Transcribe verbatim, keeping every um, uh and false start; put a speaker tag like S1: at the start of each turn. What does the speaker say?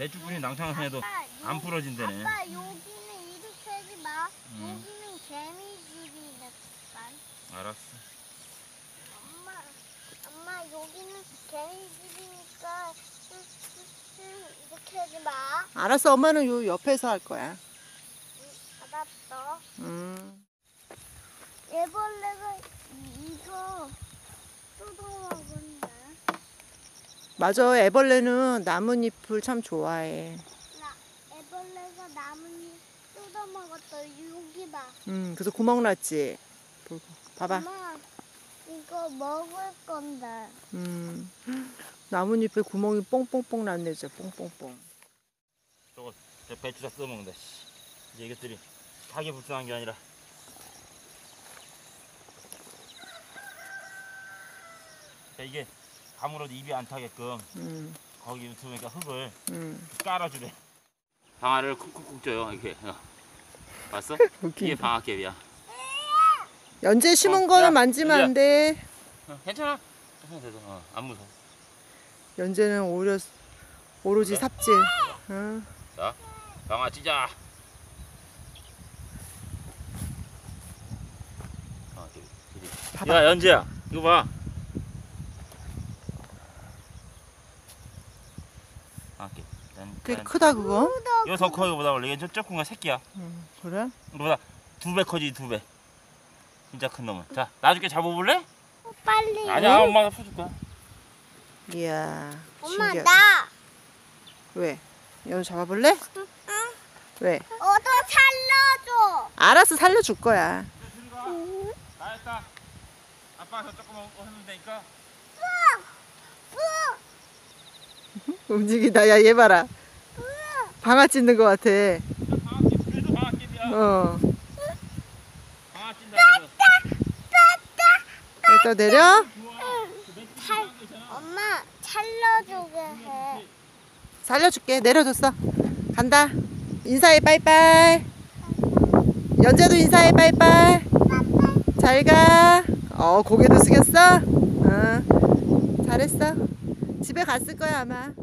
S1: 배추 뿌린 낭창해도 안 부러진대네.
S2: 아빠 여기는 이렇게 하지 마.
S1: 응.
S2: 여기는 개미집이니까.
S1: 알았어.
S2: 엄마, 엄마 여기는 개미집이니까 음, 음, 이렇게 하지 마.
S3: 알았어, 엄마는 요 옆에서 할 거야.
S2: 응, 알았어.
S3: 음.
S2: 애벌레가 이거 뜯어먹은다.
S3: 맞아, 애벌레는 나뭇잎을 참 좋아해.
S2: 나 애벌레가 나뭇잎 뜯어먹었어. 여기 봐.
S3: 음, 그래서 구멍 났지. 보고. 봐봐.
S2: 엄마 이거 먹을 건데.
S3: 음, 나뭇잎에 구멍이 뽕뽕뽕 났네, 진짜 뽕뽕뽕.
S1: 저거 저 배추 다 써먹는다. 씨. 이제 이것들이 가게 불쌍한 게 아니라. 자, 이게 아무래도 입이 안 타게끔
S3: 음,
S1: 거기 유튜브니까 흙을
S3: 음.
S1: 깔아주래. 방아를 쿡쿡쿡 쪄요. 이렇게. 어. 봤어?
S3: 웃긴다.
S1: 이게 방아깨비야.
S3: 연재 심은
S1: 어,
S3: 거는
S1: 야,
S3: 만지면
S1: 연재야.
S3: 안 돼.
S1: 어, 괜찮아. 괜찮아. 어, 안 무서워.
S3: 연재는 오히려 오로지
S1: 그래?
S3: 삽질. 응.
S1: 자, 방아 찢자. 어, 저기, 저기.
S3: 봐봐.
S1: 야, 연재야, 이거 봐. 아, 이렇게.
S3: 꽤 크다 그거.
S1: 이거 더 커, 이거보다 원래. 이게 저쪽 건 새끼야.
S3: 음, 그래?
S1: 이거보다 두 배 커지, 두 배. 진짜 큰 놈은. 자, 나중에 잡아볼래?
S2: 어, 빨리.
S1: 아니야, 엄마가 풀줄 거야.
S3: 이야.
S2: 엄마
S3: 신기하다.
S2: 나.
S3: 왜? 연우 잡아볼래?
S2: 응.
S3: 왜?
S2: 어도 살려줘.
S3: 알았어, 살려줄 거야.
S2: 응.
S1: 다 했다. 아빠가 저쪽 거만 하면 되니까.
S3: 움직이다. 야, 얘 봐라. 방아 찢는 거 같아.
S1: 방아깨, 그래도 방아깨비야.
S3: 어.
S1: 방아 찐다.
S3: 일단 내려.
S2: 살, 엄마 살려주게 해.
S3: 살려줄게. 내려줬어. 간다. 인사해, 빠이빠이. 연재도 인사해, 빠이빠이. 잘 가. 어, 고개도 숙였어? 어. 잘했어. 집에 갔을 거야, 아마.